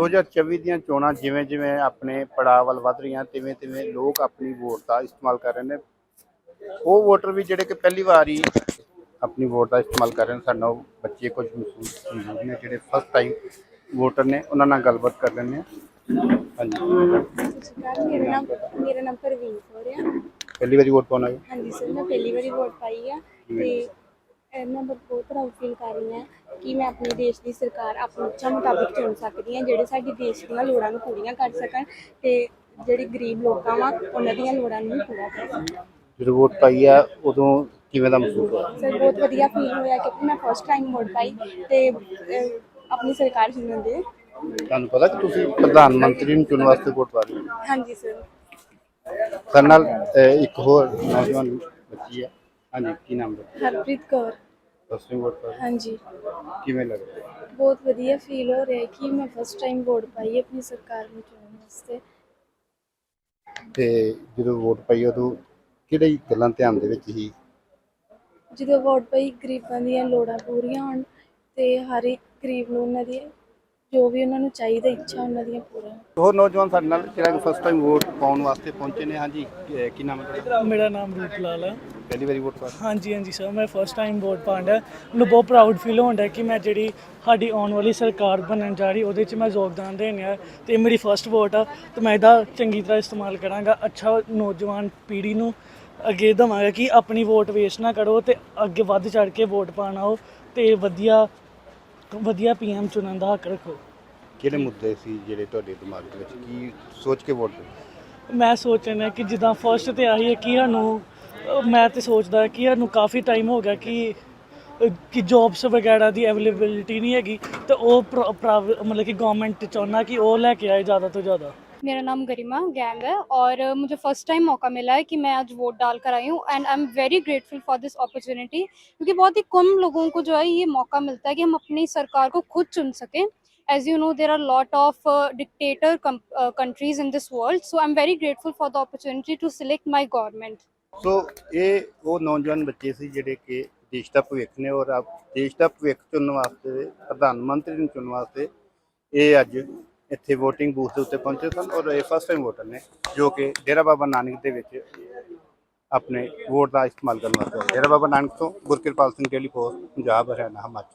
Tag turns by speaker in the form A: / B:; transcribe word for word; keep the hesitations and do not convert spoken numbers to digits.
A: दो हज़ार चौबी ਦੀਆਂ ਚੋਣਾਂ ਜਿਵੇਂ ਜਿਵੇਂ ਆਪਣੇ ਪੜਾਅ ਵੱਲ ਵੱਧ ਰਹੀਆਂ ਤਿਵੇਂ ਤਿਵੇਂ ਲੋਕ ਆਪਣੀ ਵੋਟ ਦਾ ਇਸਤੇਮਾਲ ਕਰ ਰਹੇ ਨੇ। ਉਹ ਵੋਟਰ ਵੀ ਜਿਹੜੇ ਕਿ ਪਹਿਲੀ ਵਾਰ ਹੀ ਆਪਣੀ ਵੋਟ ਦਾ ਇਸਤੇਮਾਲ ਕਰ ਰਹੇ ਨੇ। ਸਾਡੇ ਨਾਲ ਬੱਚੇ ਕੁਝ ਮਹਿਸੂਸ ਮੌਜੂਦ ਨੇ ਜਿਹੜੇ ਫਸਟ ਟਾਈਮ ਵੋਟਰ ਨੇ, ਉਹਨਾਂ ਨਾਲ ਗੱਲਬਾਤ ਕਰ ਲੈਂਦੇ ਹਾਂ। ਹਾਂਜੀ,
B: ਮੇਰਾ ਨਾਮ ਮੇਰਾ ਨਾਮ ਪ੍ਰਵੀਨ ਕੌਰ ਆ।
A: ਪਹਿਲੀ ਵਾਰੀ ਵੋਟ ਪਾਉਣਾ ਹੈ?
B: ਹਾਂਜੀ ਸਰ, ਮੈਂ ਪਹਿਲੀ ਵਾਰੀ ਵੋਟ ਪਾਈ ਆ ਤੇ ਮੈਂ ਬਹੁਤ ਪ੍ਰਾਊਡ ਫੀਲ ਕਰ ਰਹੀ ਹਾਂ ਕਿ ਮੈਂ ਆਪਣੇ ਦੇਸ਼ ਦੀ ਸਰਕਾਰ ਆਪਣੀ ਇੱਛਾ ਮੁਤਾਬਿਕ ਚੁਣ ਸਕਦੀ ਹਾਂ, ਜਿਹੜੇ ਸਾਡੇ ਦੇਸ਼ ਦੀਆਂ ਲੋੜਾਂ ਨੂੰ ਪੂਰੀਆਂ ਕਰ ਸਕਣ ਤੇ ਜਿਹੜੇ ਗਰੀਬ ਲੋਕਾਂ ਵਾ ਉਹਨਾਂ ਦੀਆਂ ਲੋੜਾਂ ਨੂੰ ਪੂਰਾ ਕਰ ਸਕਣ।
A: ਜਦੋਂ ਵੋਟ ਪਾਈ ਆ ਉਦੋਂ ਕਿਵੇਂ ਦਾ ਮਹਿਸੂਸ ਹੋਇਆ?
B: ਸਰ ਬਹੁਤ ਵਧੀਆ ਫੀਲ ਹੋਇਆ ਕਿਉਂਕਿ ਮੈਂ ਫਸਟ ਟਾਈਮ ਵੋਟ ਪਾਈ ਤੇ ਆਪਣੀ ਸਰਕਾਰ ਚੁਣਨ ਦੇ।
A: ਤੁਹਾਨੂੰ ਪਤਾ ਕਿ ਤੁਸੀਂ ਪ੍ਰਧਾਨ ਮੰਤਰੀ ਨੂੰ ਚੁਣਨ ਵਾਸਤੇ ਵੋਟ ਪਾ ਰਹੇ ਹੋ?
B: ਹਾਂਜੀ ਸਰ।
A: ਸਾਡੇ ਨਾਲ ਇੱਕ ਹੋਰ ਨੌਜਵਾਨ ਬੱਚੀ ਹੈ। ਹਾਂਜੀ, ਕੀ ਨਾਮ ਹੈ?
B: Harpreet Kaur.
A: First time vote ਪਾ ਰਹੇ?
B: ਹਾਂਜੀ।
A: ਕਿਵੇਂ ਲੱਗ ਰਿਹਾ?
B: ਬਹੁਤ ਵਧੀਆ ਫੀਲ ਹੋ ਰਿਹਾ ਕਿ ਮੈਂ ਫਸਟ ਟਾਈਮ ਵੋਟ ਪਾਈ ਆਪਣੀ ਸਰਕਾਰ ਨੂੰ ਚੁਣਨ ਵਾਸਤੇ।
A: ਤੇ ਜਦੋਂ ਵੋਟ ਪਾਈ ਉਦੋਂ ਕਿਹੜੀ ਗੱਲਾਂ ਧਿਆਨ ਦੇ ਵਿੱਚ ਸੀ?
B: ਜਦੋਂ ਵੋਟ ਪਾਈ ਗਰੀਬਾਂ ਦੀਆਂ ਲੋੜਾਂ ਪੂਰੀਆਂ ਹੋਣ ਤੇ ਹਰ ਇੱਕ ਗਰੀਬ ਨੂੰ ਉਹਨਾਂ ਦੀ ਜੋ ਵੀ ਉਹਨਾਂ ਨੂੰ ਚਾਹੀਦਾ ਇੱਛਾ ਉਹਨਾਂ ਦੀਆਂ ਪੂਰੀਆਂ।
A: ਹੋਰ ਨੌਜਵਾਨ ਸਾਡੇ ਨਾਲ ਜਿਹੜਾ ਫਸਟ ਟਾਈਮ ਵੋਟ ਪਾਉਣ ਵਾਸਤੇ ਪਹੁੰਚੇ ਨੇ। ਹਾਂਜੀ, ਕੀ ਨਾਮ ਹੈ ਤੁਹਾਡਾ?
C: ਮੇਰਾ ਨਾਮ ਰੂਪ ਲਾਲ ਹੈ।
A: ਪਹਿਲੀ ਵਾਰੀ ਵੋਟ ਪਾ?
C: ਹਾਂਜੀ ਹਾਂਜੀ ਸਰ, ਮੈਂ ਫਸਟ ਟਾਈਮ ਵੋਟ ਪਾਉਣ ਡਿਆ। ਮੈਨੂੰ ਬਹੁਤ ਪ੍ਰਾਊਡ ਫੀਲ ਹੋਣ ਡਿਆ ਕਿ ਮੈਂ ਜਿਹੜੀ ਸਾਡੀ ਆਉਣ ਵਾਲੀ ਸਰਕਾਰ ਬਣਨ ਜਾ ਰਹੀ ਉਹਦੇ 'ਚ ਮੈਂ ਯੋਗਦਾਨ ਦੇਣ ਆ ਅਤੇ ਮੇਰੀ ਫਸਟ ਵੋਟ ਆ ਅਤੇ ਮੈਂ ਇਹਦਾ ਚੰਗੀ ਤਰ੍ਹਾਂ ਇਸਤੇਮਾਲ ਕਰਾਂਗਾ। ਅੱਛਾ ਨੌਜਵਾਨ ਪੀੜ੍ਹੀ ਨੂੰ ਅੱਗੇ ਦੇਵਾਂਗਾ ਕਿ ਆਪਣੀ ਵੋਟ ਵੇਸਟ ਨਾ ਕਰੋ ਅਤੇ ਅੱਗੇ ਵੱਧ ਚੜ੍ਹ ਕੇ ਵੋਟ ਪਾਉਣ ਆਓ ਅਤੇ ਵਧੀਆ ਵਧੀਆ ਪੀ ਐਮ ਚੁਣਨ ਦਾ ਹੱਕ ਰੱਖੋ।
A: ਕਿਹੜੇ ਮੁੱਦੇ ਸੀ ਜਿਹੜੇ ਤੁਹਾਡੇ ਦਿਮਾਗ ਦੇ ਵਿੱਚ, ਕੀ ਸੋਚ ਕੇ ਵੋਟ ਦਿੱਤੀ?
C: ਮੈਂ ਸੋਚ ਰਿਹਾ ਕਿ ਜਿੱਦਾਂ ਫਸਟ ਤੇ ਆਹੀ ਹੈ ਕਿ ਸਾਨੂੰ ਮੈਂ ਤਾਂ ਸੋਚਦਾ ਕਿ ਸਾਨੂੰ ਕਾਫੀ ਟਾਈਮ ਹੋ ਗਿਆ ਕਿ ਕਿ ਜੋਬਸ ਵਗੈਰਾ ਦੀ ਅਵੇਲੇਬਿਲਿਟੀ ਨਹੀਂ ਹੈਗੀ ਅਤੇ ਉਹ मतलब कि गवर्नमेंट चाहना कि वो लेके आए ज़्यादा तो ज़्यादा।
D: मेरा नाम गरिमा गैंग है और मुझे फ़र्स्ट टाइम मौका मिला है कि मैं आज वोट डाल कर आई हूँ and I am very grateful for this opportunity क्योंकि बहुत ही कम लोगों को जो है ये मौका मिलता है कि हम अपनी सरकार को खुद चुन सकें। As you know, there are a lot of uh, dictator com- uh, countries in this world, so I'm very grateful for the opportunity to select my government.
A: ਸੋ ਇਹ ਉਹ ਨੌਜਵਾਨ ਬੱਚੇ ਸੀ ਜਿਹੜੇ ਕਿ ਦੇਸ਼ ਦਾ ਭਵਿੱਖ ਨੇ ਔਰ ਆਪ ਦੇਸ਼ ਦਾ ਭਵਿੱਖ ਚੁਣਨ ਵਾਸਤੇ, ਪ੍ਰਧਾਨ ਮੰਤਰੀ ਨੂੰ ਚੁਣਨ ਵਾਸਤੇ ਇਹ ਅੱਜ ਇੱਥੇ ਵੋਟਿੰਗ ਬੂਥ ਦੇ ਉੱਤੇ ਪਹੁੰਚੇ ਸਨ ਔਰ ਇਹ ਫਸਟ ਟਾਈਮ ਵੋਟਰ ਨੇ ਜੋ ਕਿ ਡੇਰਾ ਬਾਬਾ ਨਾਨਕ ਦੇ ਵਿੱਚ ਆਪਣੇ ਵੋਟ ਦਾ ਇਸਤੇਮਾਲ ਕਰਨ ਵਾਸਤੇ। ਡੇਰਾ ਬਾਬਾ ਨਾਨਕ ਤੋਂ ਗੁਰਕਿਰਪਾਲ ਸਿੰਘ, ਡੇਲੀ ਪੋਸਟ, ਪੰਜਾਬ, ਹਰਿਆਣਾ, ਹਿਮਾਚਲ।